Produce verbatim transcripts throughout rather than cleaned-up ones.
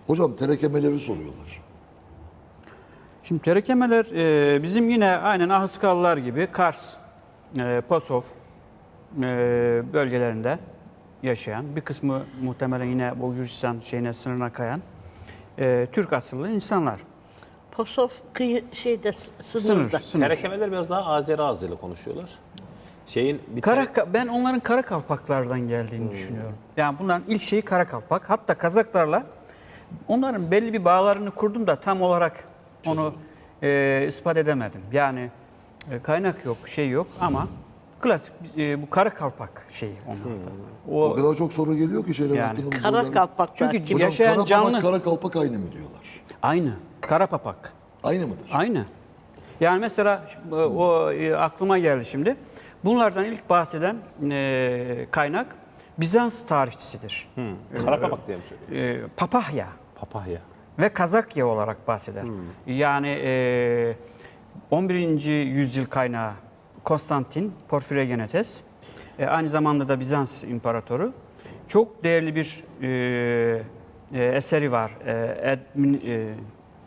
Hocam terekemeleri soruyorlar. Şimdi terekemeler e, bizim yine aynen Ahıskalılar gibi Kars, e, Pasov e, bölgelerinde yaşayan, bir kısmı muhtemelen yine bu Gürcistan şeyine sınırına kayan e, Türk asıllı insanlar. Pasov kıyı şeyde Sınır, sınırda. sınır. Terekemeler biraz daha Azeri ağzıyla konuşuyorlar. Şeyin bir Kara, tere- ben onların Karakalpaklardan geldiğini düşünüyorum. Yani bunların ilk şeyi Karakalpak. Hatta Kazaklarla onların belli bir bağlarını kurdum da tam olarak onu e, ispat edemedim. Yani e, kaynak yok, şey yok ama klasik e, bu Karakalpak şeyi onlarda. O, O, kadar çok soru geliyor ki şeyler Yani hakkında. bu Kara sorular- kalpaklar. Çünkü Hocam yaşayan kara canlı papak, kara kalpak aynı mı diyorlar? aynı. Karapapak. Aynı mıdır? Aynı. Yani mesela şu- o e, aklıma geldi şimdi. Bunlardan ilk bahseden e, kaynak Bizans tarihçisidir. Karapapak diye mi söylüyor? E, Papahya Papahya. ve Kazakya olarak bahseder. Yani e, on birinci yüzyıl kaynağı Konstantin Porfirogenetes, e, aynı zamanda da Bizans imparatoru. Çok değerli bir e, e, eseri var. E, Edmin, e, e,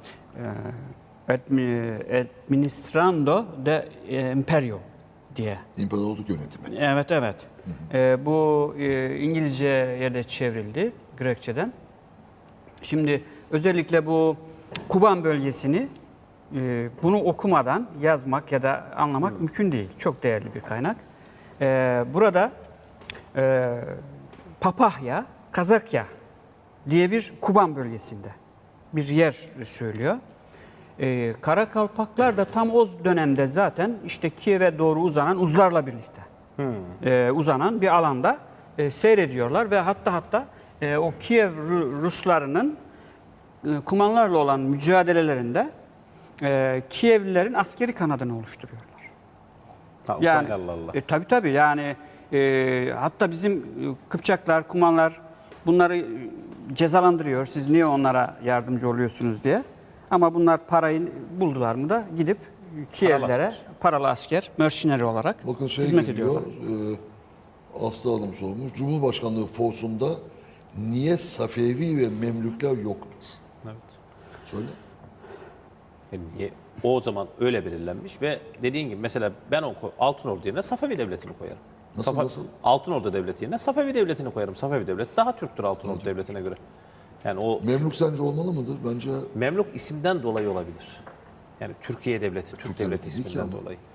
Admi- Administrando de Imperio diye. İmparatorluk yönetimi. Evet, evet. Ee, bu e, İngilizce'ye de çevrildi Grekçeden. Şimdi özellikle bu Kuban bölgesini e, bunu okumadan yazmak ya da anlamak mümkün değil. Çok değerli bir kaynak. Ee, burada e, Papahya, Kazakya diye bir Kuban bölgesinde bir yer söylüyor. Ee, Karakalpaklar da tam o dönemde zaten işte Kiev'e doğru uzanan uzlarla birlikte e, uzanan bir alanda e, seyrediyorlar ve hatta hatta e, o Kiev Ru- Ruslarının e, Kumanlarla olan mücadelelerinde e, Kievlilerin askeri kanadını oluşturuyorlar. Ha, Yani Ukraynalılarla. e, tabii tabii yani e, hatta bizim e, Kıpçaklar, Kumanlar bunları e, cezalandırıyor. Siz niye onlara yardımcı oluyorsunuz diye. Ama bunlar parayı buldular mı da gidip Kievlilere asker. paralı asker, mercenary olarak Bakın şey hizmet geliyor, ediyorlar. e, Aslı Hanım sormuş. Cumhurbaşkanlığı forsunda niye Safevi ve Memlükler yoktur? Evet. Söyle. Yani niye? O zaman öyle belirlenmiş ve dediğin gibi mesela ben o ko- Altınordu yerine Safevi Devleti'ni koyarım. Nasıl, nasıl? Altınordu Devleti yerine Safevi Devleti'ni koyarım. Safevi Devleti daha Türktür Altınordu Devleti'ne göre. Yani o Memlük sence olmalı mıdır? Bence Memluk isimden dolayı olabilir. Yani Türkiye Devleti, Türk, Türk Devleti Devleti değil ki isminden ama. dolayı.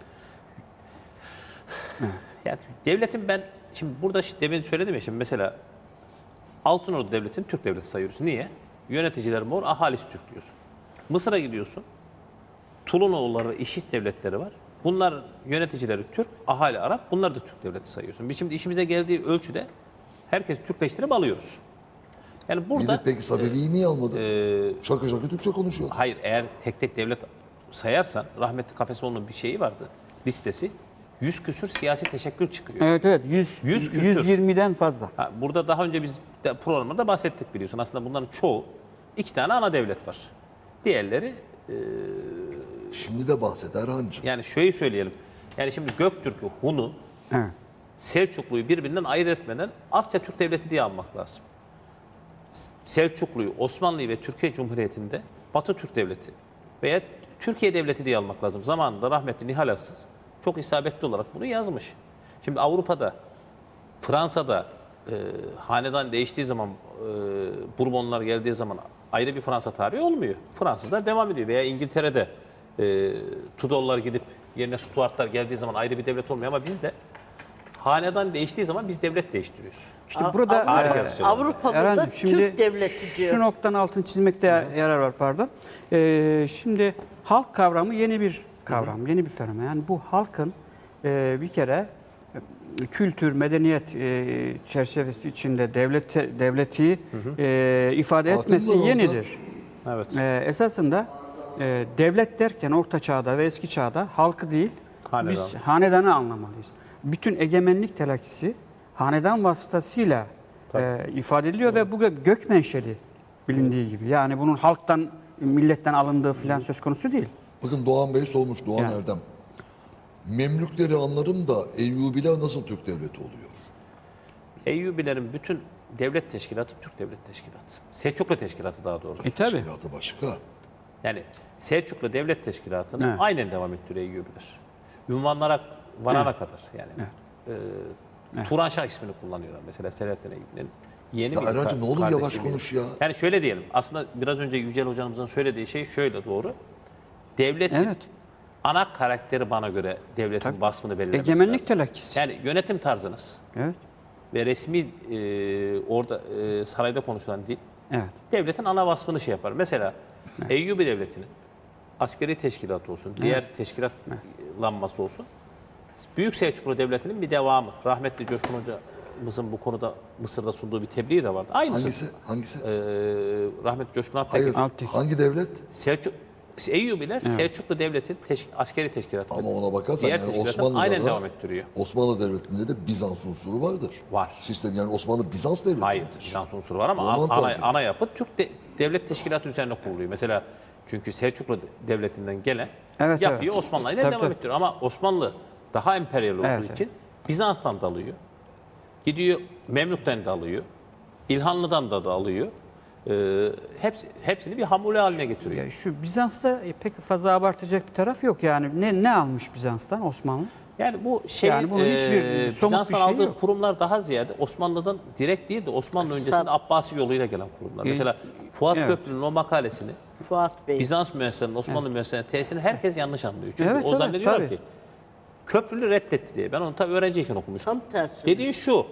Yani devletin ben şimdi burada işte demin söyledim ya şimdi mesela Altınordu Devleti'ni Türk Devleti sayıyoruz. Niye? Yöneticiler mor, ahalisi Türk diyorsun. Mısır'a gidiyorsun. Tulunoğulları, İşit devletleri var. Bunlar yöneticileri Türk, ahali Arap. Bunlar da Türk devleti sayıyorsun. Biz şimdi işimize geldiği ölçüde herkes Türkleştirip alıyoruz. Yani iyi burada de peki Safevi'yi niye almadın? e, şaka şaka Türkçe konuşuyor. hayır eğer tek tek devlet sayarsan rahmetli Kafesoğlu'nun bir şeyi vardı. Listesi. Yüz küsür siyasi teşekkür çıkıyor. Evet evet yüz, Yüz küsür. yüz yirmiden fazla. Ha, burada daha önce biz de programda bahsettik biliyorsun. Aslında bunların çoğu iki tane ana devlet var. Diğerleri Şimdi de bahset Erhan'cığım. yani şöyle söyleyelim. Yani şimdi Göktürk'ü, Hun'u, Evet. Selçuklu'yu birbirinden ayırt etmeden Asya Türk Devleti diye almak lazım. Selçuklu'yu, Osmanlı'yı ve Türkiye Cumhuriyeti'nde Batı Türk Devleti veya Türkiye Devleti diye almak lazım. Zamanında rahmetli Nihal Atsız çok isabetli olarak bunu yazmış. Şimdi Avrupa'da, Fransa'da e, hanedan değiştiği zaman, e, Bourbonlar geldiği zaman ayrı bir Fransa tarihi olmuyor. Fransızlar devam ediyor veya İngiltere'de e, Tudorlar gidip yerine Stuartlar geldiği zaman ayrı bir devlet olmuyor ama bizde hanedan değiştiği zaman biz devlet değiştiriyoruz. İşte burada Tarih e, yazıcılığı. Avrupa'da da Erhan'cığım, Türk devleti diyor. Şu noktanın altını çizmekte yarar var pardon. Ee, şimdi halk kavramı yeni bir kavram, yeni bir fenomen. Yani bu halkın e, bir kere e, kültür, medeniyet e, çerçevesi içinde devleti, devleti e, ifade Hakim etmesi var orada. yenidir. Evet. E, esasında e, devlet derken Orta Çağ'da ve Eski Çağ'da halkı değil, Hanedan. biz hanedanı anlamalıyız. Bütün egemenlik telakkisi hanedan vasıtasıyla e, ifade ediliyor ve bu gö- gök menşeli bilindiği gibi. Yani bunun halktan, milletten alındığı filan söz konusu değil. Bakın Doğan Bey sormuş, Doğan Yani. Erdem. Memlükleri anlarım da Eyyubiler nasıl Türk devleti oluyor? Eyyubilerin bütün devlet teşkilatı Türk Devlet Teşkilatı. Selçuklu Teşkilatı daha doğrusu. E tabii. Teşkilatı başka. Yani Selçuklu Devlet Teşkilatı'nı Evet. aynen devam ettiriyor Eyyubiler. Ünvanlara varana kadar yani. Ee, Turan Şah ismini kullanıyorlar mesela Selahattin Eyyubi'nin. Yeni Ya bir Erhan'cığım ne olur kardeşi yavaş gibi. konuş ya. Yani şöyle diyelim. Aslında biraz önce Yücel Hocamızın söylediği şey şöyle doğru. Devletin Evet. ana karakteri bana göre devletin vasfını belirlemesi Egemenlik lazım. telakkisi. Yani yönetim tarzınız Evet. ve resmi e, orada e, sarayda konuşulan dil Evet. devletin ana vasfını şey yapar. Mesela Eyyubi Devleti'nin askeri teşkilatı olsun, diğer teşkilatlanması olsun. Büyük Selçuklu Devleti'nin bir devamı. Rahmetli Coşkun Hoca'mızın bu konuda Mısır'da sunduğu bir tebliği de vardı. Aynısı. Hangisi? Hangisi? Ee, rahmetli Coşkun Hayır. Alptekin. Alptekin. Hangi devlet? Selçuk, Eyyubiler Selçuklu Devleti'nin teş- askeri teşkilatı. Ama ona bakarsan Diğer yani teşkilatı Osmanlı'da aynen da, devam ettiriyor. Osmanlı Devleti'nde de Bizans unsuru vardır. Var. Sistem yani Osmanlı Bizans devleti Hayır, midir? Bizans unsuru var ama Roman ana, tabii. ana yapı Türk de- devlet teşkilatı üzerine kuruluyor. Mesela çünkü Selçuklu Devleti'nden gelen Evet, yapıyı evet. Osmanlı ile Tabii, devam tabii. ettiriyor. Ama Osmanlı daha emperyal olduğu Evet, için Bizans'tan da alıyor. Gidiyor Memlük'ten de alıyor. İlhanlı'dan da, da alıyor. Ee, hepsi, hepsini bir hamule haline getiriyor. Ya şu Bizans'ta e, pek fazla abartacak bir taraf yok yani. Ne ne almış Bizans'tan Osmanlı? Yani bu şey Yani bunun hiçbir e, somut Bizans'tan bir şey aldığı yok. kurumlar daha ziyade Osmanlı'dan direkt değil de Osmanlı öncesinde Abbasi yoluyla gelen kurumlar. Mesela Fuat evet. Köprülü'nün o makalesini Fuat Bey. Bizans müesseselerinin Osmanlı müesseselerinin tesisini herkes yanlış anlıyor. Çünkü Evet, o evet, zannediyorlar tabii. ki Köprülü reddetti diye. Ben onu tabii öğrenciyken okumuştum. Tam tersi. Dediği şu.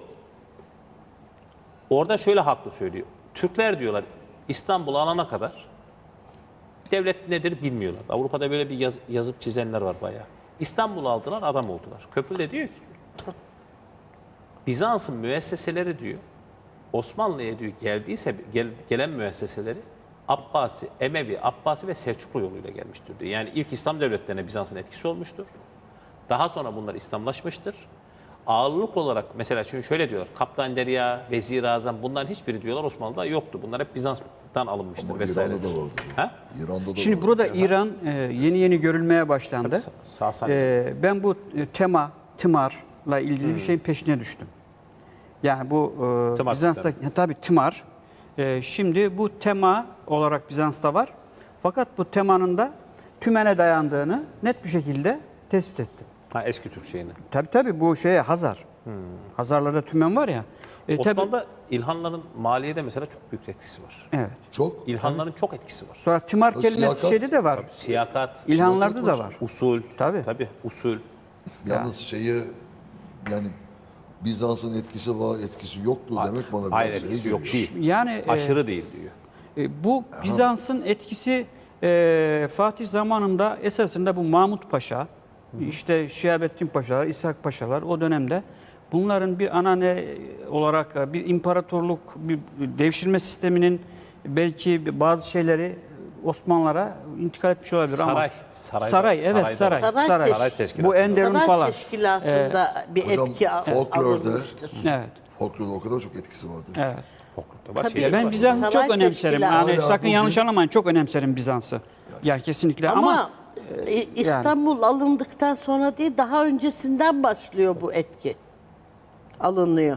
Orada şöyle haklı söylüyor. Türkler diyorlar İstanbul'u alana kadar devlet nedir bilmiyorlar. Avrupa'da böyle bir yaz- yazıp çizenler var bayağı. İstanbul'u aldılar, adam oldular. Köprülü de diyor ki Bizans'ın müesseseleri diyor Osmanlı'ya diyor geldiyse gel- gelen müesseseleri Abbasi, Emevi, Abbasi ve Selçuklu yoluyla gelmiştir diyor. Yani ilk İslam devletlerine Bizans'ın etkisi olmuştur. Daha sonra bunlar İslamlaşmıştır. Ağırlık olarak mesela şimdi şöyle diyorlar. Kaptan Derya, Vezir-i Azam bunların hiçbiri diyorlar Osmanlı'da yoktu. Bunlar hep Bizans'tan alınmıştır Ama vesaire. İran'da da vardı. Ha? İran'da da Şimdi vardı. burada İran e, yeni yeni görülmeye başlandı. Sa- Sasani. E, ben bu e, tema, tımarla ilgili bir şeyin peşine düştüm. Yani bu e, Tımar Bizans'ta sistemi. ha, tabii tımar. E, şimdi bu tema olarak Bizans'ta var. Fakat bu temanın da tümene dayandığını net bir şekilde tespit ettim. Ha, eski Türk şeyini. Tabii tabii bu şeye Hazar. Hazarlarda tümen var ya. E, tabii, Osmanlı'da İlhanların maliyede mesela çok büyük etkisi var. evet. Çok. İlhanların çok etkisi var. Sonra tımar Tabii kelimesi siyakat. şeyde de var. Siyakat, İlhanlarda da siyakat var. usul, Tabii. tabii usul. Yalnız şeyi yani Bizans'ın etkisi var, etkisi yoktu demek bana biraz Hayır şey etkisi yok geliyor. değil. Yani e, Aşırı değil diyor. E, bu Bizans'ın etkisi e, Fatih zamanında esasında bu Mahmut Paşa, işte Şihabettin Paşalar, İshak Paşalar o dönemde bunların bir ana ne olarak e, bir imparatorluk, bir devşirme sisteminin belki bazı şeyleri Osmanlılara intikal etmiş olabilir ama Saray, sarayda- saray evet sarayda- saray, Saray saray, Saray teşkilatı. bu Enderun Saray falan. teşkilatında bir hocam, etki al- folklorda- alınmıştır. Evet, Folklorda o kadar çok etkisi vardı. evet. Folklorda var, Tabii. şey Ya ben var. Bizans'ı Saray çok önemserim. teşkilatı. Yani Hala sakın bugün- yanlış anlamayın. Çok önemserim Bizans'ı. Ya kesinlikle ama, Ama e, İstanbul alındıktan sonra değil, daha öncesinden başlıyor bu etki. Alınıyor.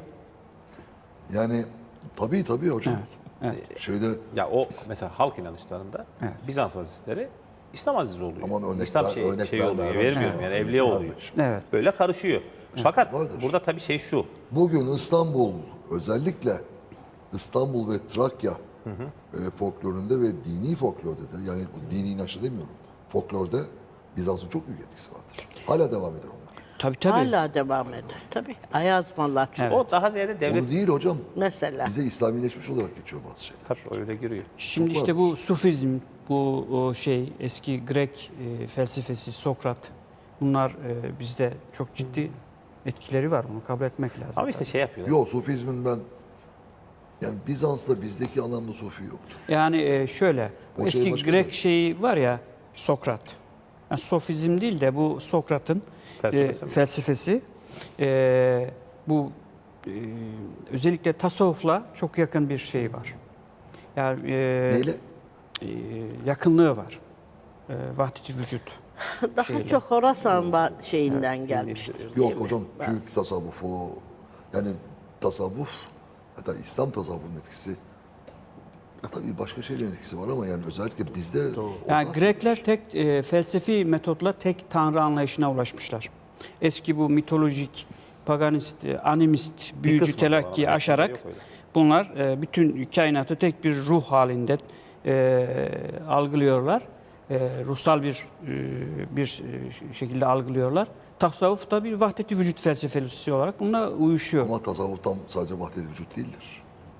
Yani tabii tabii hocam. Şeyde Ya o mesela halk inanışlarında Bizans azizleri İslam azizi oluyor. Aman örnek İslam ver- şey, örnek şey verme, oluyor. evet. Vermiyorum yani Evet. evliya Evet. oluyor. Evet. Böyle karışıyor. Fakat Vardır. burada tabii şey şu. bugün İstanbul özellikle İstanbul ve Trakya e, folklorunda ve dini folklorda da yani dini inançta demiyorum. Folklorda Bizans'ın çok büyük etkisi vardır. Hala devam eder onlar. tabii tabii. Hala devam eder. Tabii. Ayazmalar. O daha ziyade devlet Onu değil hocam. Mesela. Bize İslamileşmiş olarak geçiyor bazı şeyler. tabii öyle giriyor. Şimdi Çok işte vardır. bu Sufizm, bu o şey eski Grek e, felsefesi, Sokrat bunlar e, bizde çok ciddi etkileri var. Bunu kabul etmek lazım. Ama işte şey yapıyorlar. Yok Sufizmin ben yani Bizans'ta bizdeki anlamda Sufi yoktu. Yani e, şöyle, bu O şey eski başka Grek değil. şeyi var ya, Sokrat. Yani Sofizm değil de bu Sokrat'ın Felsefesi e, mi? felsefesi. E, bu e, özellikle tasavvufla çok yakın bir şey var. Yani e, Neyle? e, yakınlığı var. E, vahdet-i vücut. Daha şeyle. çok Horasan ba- şeyinden gelmiştir. Yok hocam Türk tasavvufu yani tasavvuf Hatta İslam tasavvurunun etkisi tabii başka şeylerin etkisi var ama yani özellikle bizde Yani Orta Grekler tek e, felsefi metotla tek tanrı anlayışına ulaşmışlar. Eski bu mitolojik, paganist, e, animist, büyücü kısmı var ama telakkiyi hepsinde aşarak yok öyle. bunlar e, bütün kainatı tek bir ruh halinde e, algılıyorlar. E, ruhsal bir e, bir e, şekilde algılıyorlar. Tasavvuf da bir vahdet-i vücut felsefesi olarak bununla uyuşuyor. ama tasavvuf tam sadece vahdet-i vücut değildir.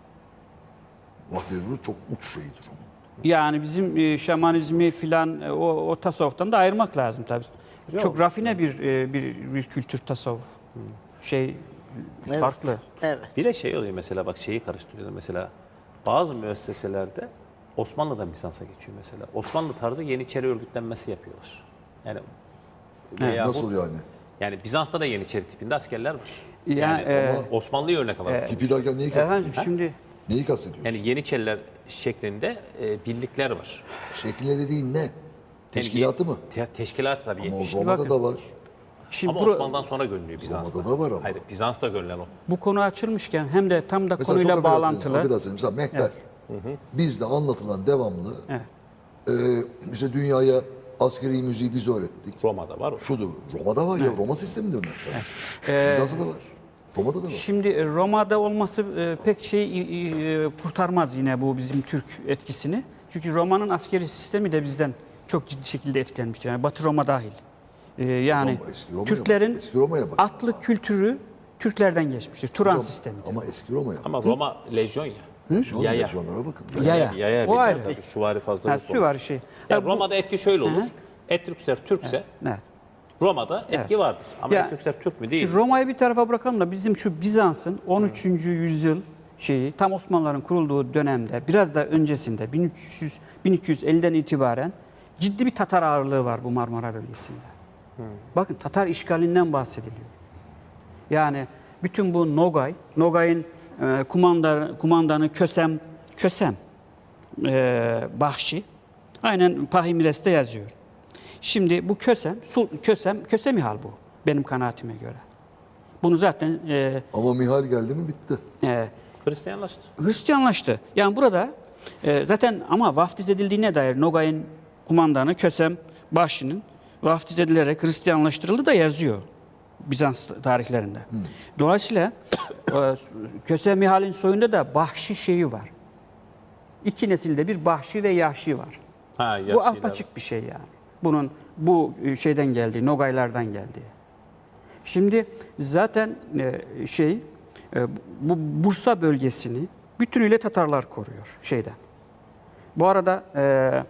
Vahdet-i vücut çok uç şeyidir onun. Yani bizim e, şamanizmi filan e, o, o tasavvuftan da ayırmak lazım tabii. Çok rafine bir, e, bir bir kültür tasavvuf. Şey Evet. farklı. Evet. Bir de şey oluyor mesela bak şeyi karıştırıyorlar mesela bazı müesseselerde Osmanlı'dan Bizans'a geçiyor mesela. Osmanlı tarzı Yeniçeri örgütlenmesi yapıyorlar. Yani veyahut- Nasıl yani? Yani Bizans'ta da Yeniçeri tipinde askerler var. Yani, Yani, e, Osmanlı'yı örnek alalım. Tipi derken neyi Efendim kastediyorsun? şimdi Neyi kastediyorsun? Yani Yeniçeriler şeklinde e, birlikler var. Şekline dediğin ne? Teşkilatı Yani, mı? Te- teşkilatı tabii. Ama o yetmiş. Roma'da bakın. da var. şimdi Ama bu, Osmanlı'dan sonra görünüyor Bizans'ta. Roma'da da var ama. Hayır, Bizans'ta görülen o. bu konu açılmışken hem de tam da Mesela konuyla çok affedersiniz, bağlantılı. affedersiniz. Mesela Mehter. Bizde anlatılan devamlı Evet. e, işte dünyaya askeri müziği biz öğrettik. Roma'da var o. Şudur. Roma'da var ya. Roma sisteminde Mehter. Ee, Bizans'ta da var. Roma'da da var. Şimdi e, Roma'da olması e, pek şey e, kurtarmaz yine bu bizim Türk etkisini. Çünkü Roma'nın askeri sistemi de bizden çok ciddi şekilde etkilenmiştir. Yani Batı Roma dahil. E, yani Hocam, eski Roma'ya Türklerin bak, eski Roma'ya bak. atlı kültürü Türklerden geçmiştir. Turan Hocam, sistemi. ama eski Roma'ya. Ama Roma lejyon ya. Lejyon, Yaya. lejyonlara bakın. Yaya. Yaya O bir de ayrı. tabii süvari fazla Ha, yok. süvari şey. Ya Ya bu- Roma'da etki şöyle olur. Etrüksler Türkse Evet. Roma'da etki vardır. Ama Ya, Etrüksler Türk mü değil? Şu Roma'yı bir tarafa bırakalım da bizim şu Bizans'ın on üçüncü yüzyıl şeyi tam Osmanlıların kurulduğu dönemde biraz da öncesinde bin üç yüz bin iki yüz elliden itibaren ciddi bir Tatar ağırlığı var bu Marmara bölgesinde. Bakın Tatar işgalinden bahsediliyor. Yani bütün bu Nogay, Nogay'ın e, kumanda, kumandanı Kösem, Kösem e, Bahşi aynen Pahimires'te yazıyor. Şimdi bu Kösem, Sul- Kösem, Kösemihal bu benim kanaatime göre. Bunu zaten e, Ama Mihal geldi mi bitti. e, Hristiyanlaştı. Hristiyanlaştı. Yani burada e, zaten ama vaftiz edildiğine dair Nogay'ın kumandanı Kösem Bahşi'nin vaftiz edilerek Hristiyanlaştırıldı da yazıyor Bizans tarihlerinde. Dolayısıyla e, Kösem Mihal'in soyunda da Bahşi şeyi var. İki nesilde bir Bahşi ve Yahşi var. Ha, Bu Yahşiler. apaçık bir şey yani. Bunun bu şeyden geldiği, Nogaylardan geldiği. Şimdi zaten e, şey e, bu Bursa bölgesini bütünüyle Tatarlar koruyor şeyden. Bu arada e,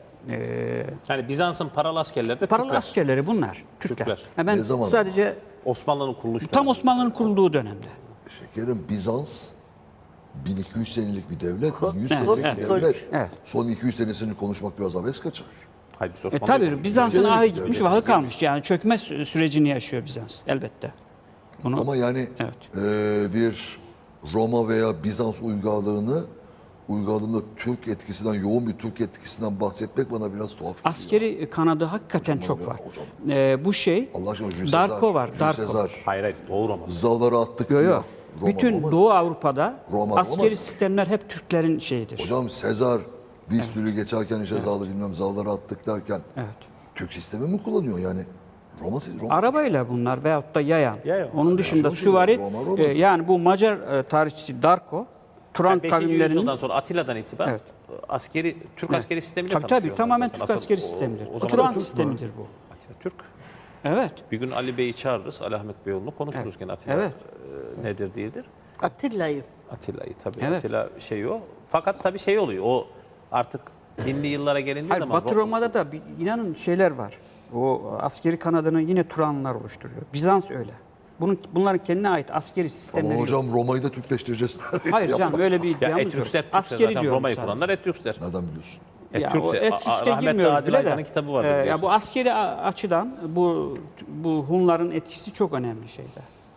e, Yani Bizans'ın paralı askerleri de paralı Türkler. askerleri bunlar, Türkler. Türkler. Ha, ben Ne zaman? sadece Osmanlı'nın kuruluş tam dönemi. Osmanlı'nın kurulduğu dönemde. Şekerim Bizans bin iki yüz senelik bir devlet, bin yüz Evet, senelik evet. bir devlet. Evet. Son iki yüz senesini konuşmak biraz abes kaçar. Hayır, biz E, Osmanlı'yı tabii konuşuyoruz. Bizans'ın Devlet, ahı gitmiş, devlet, vahı devlet. kalmış. Yani çökme sü- sürecini yaşıyor Bizans elbette. Bunu, Ama yani Evet. e, bir Roma veya Bizans uygarlığını uygarlığında Türk etkisinden, yoğun bir Türk etkisinden bahsetmek bana biraz tuhaf geliyor. askeri kanadı hakikaten Hocam çok ya, var. hocam. E, bu şey Allah aşkına Jules Darko Caesar, var, Jules Darko. Caesar, Hayır hayır Doğu Roma. Zaları attık Yo, yo. diyor. Roma, Bütün Roma. Doğu Avrupa'da Roma, askeri Roma. sistemler hep Türklerin şeyidir. Hocam Sezar bir sürü geçerken işte Zalı bilmem Zaları attık derken Evet. Türk sistemi mi kullanıyor yani? Roma, Roma Arabayla bunlar veyahut da yayan. Yayan. Onun dışında Roma, süvari, Roma, Roma. e, yani bu Macar e, tarihçisi Darko, Turan Yani beşinci kavimlerinin... yüzyıldan sonra Atilla'dan itibaren Evet. askeri Türk Evet. askeri sistemiyle Tabii tabii tanışıyorlar tamamen zaten. Türk Asıl askeri o- sistemidir. O, O, zaman Turan Türk mü? sistemidir bu. Atilla Türk. Evet. Bir gün Ali Bey'i çağırırız. Ali Ahmet Beyoğlu'nu konuşuruz gene Atilla Evet. e, nedir değildir. Atilla'yı. Atilla'yı tabii. Evet. Atilla şey o. Fakat tabii şey oluyor. O artık binli yıllara gelindiği Hayır, zaman Batı Roma'da da bir, inanın şeyler var. O askeri kanadını yine Turanlar oluşturuyor. Bizans öyle. Bunun, bunların kendine ait askeri sistemleri Ama yok. hocam Roma'yı da Türkleştireceğiz. Hayır Yapma. canım öyle bir ya iddiamız yok. Etrüksler Türkse Askeri zaten diyorum Roma'yı sadece. kuranlar Etrüksler. Nereden biliyorsun? Ya o Etrüksler. Etrüsk'e Rahmetli girmiyoruz Adil bile Aydan'ın de. kitabı vardır Ee, ya biliyorsun. bu askeri a- açıdan bu bu Hunların etkisi çok önemli şeyde.